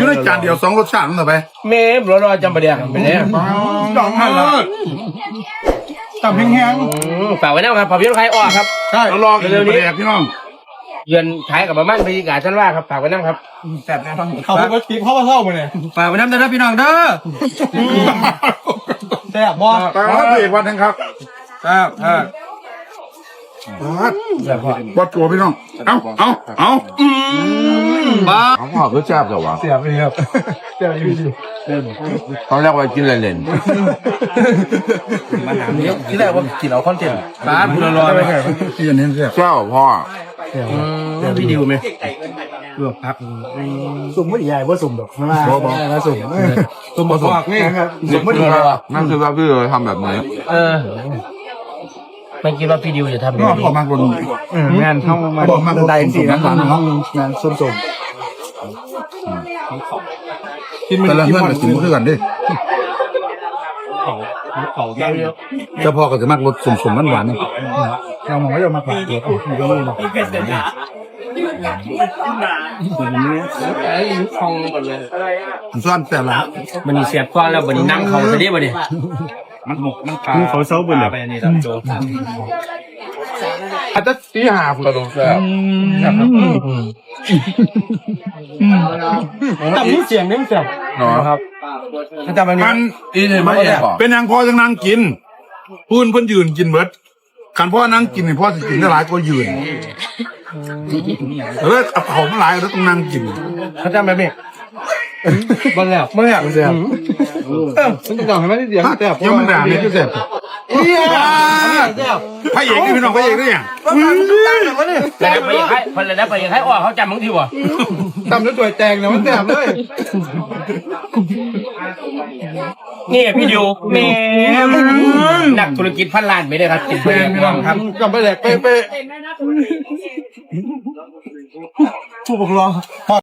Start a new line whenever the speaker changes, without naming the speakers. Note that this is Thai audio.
อยู่ในจานเดียว2รสชาตินั่นเหรอไป
เมฟรอจำประเดี๋ยวเป็นไง
ดอกหันละตับแห้ง
ฝากไว้นะครับภาพยนตร์ใครออกครับ
ใช่รอเร็วนี้พี่น้อง
เยือนขายกับบ้านบรรยากาศชั้นว่าครับฝากไว้นะครับ
แบบแน่นอนเขาพูดว่าคลิปเขามาเล่ามาเนี่ย
ฝากไว้น้ำเด้อพี่น้องเด้อแซ่บบ่
เอกวันนึงครับวัดตัวพี่น้องเอา
บ้าเขาบอกก็แซ่บแต่ว่า
เสียบเลยครับเสียบอยู่ดี
เขาเรียกว่ากินเล่น
มาถามนี้ที่แรกว่ากินเอาคอนเทนต์ร้านรอไป
ที่อันนี้เสียบ
เจ้าพ่อ
พี่ดิวไหม
เกือบพัก
สุ่มไม่ใหญ่ว่าสุ่มดอกมาสุ่ม
บ่พอกนี่
สุ่มไม่ใหญ่
นั่นคือว่าพี่เลยทำแบบนี้
ไม่คิดว่าพี่ดิวจะทำแบบนี้
บอกมากคน
งานเข้ามา
บอกมากได้สี่นะห้องงานส้มแต่ละเพื่อนกินเพื่อนดิเจ้าพ่อก็จะมากรสสุ่มหวานนี่เรามองว่าจะมาผ่านตัวมันก็ไม่หรอกซ่อนแต่ละ
มันเสียบก้อนแล้วมันนั่งเขาจะได้บ่เนี่ย
มันเขาเซาบนเลยนี่ตามโจ
อาจจะตีหาผมกระโดดแซ่บ
แต่มีเสียงนี่มันแซ่บ
ครับ
ถ้าจำมัน
อีเนี่ยไม่
เป็นนางพ่อจังนางกินเพื่อนยืนกินเบิดขันพ่อนั่งกินเนี่ยพ่อจะกินได้หลายก็ยืนเอาเขาไม่หลายแล้วต้องนั่งกิน
ถ้าจำแบบนี้บ้านแล้วไม่อยากเสียบมันต้องให้มันเสียงแซ่บ
ยังมันด่าเนี่ยก็เสร็จพระเอกนี่พี่น้องพระเอกนี่อย่าง
แล้วไปยังให้ออกเขาจำบางทีวะ
ตำแล้วตัวแตงเนี่ยมันแซ่บเลย
นี่พี่ดิวเมนักธุรกิจพันล้านไม่ได้ครับติดไปพี่น้องครับ
กลับไปแหลกไปผู้ปกครอง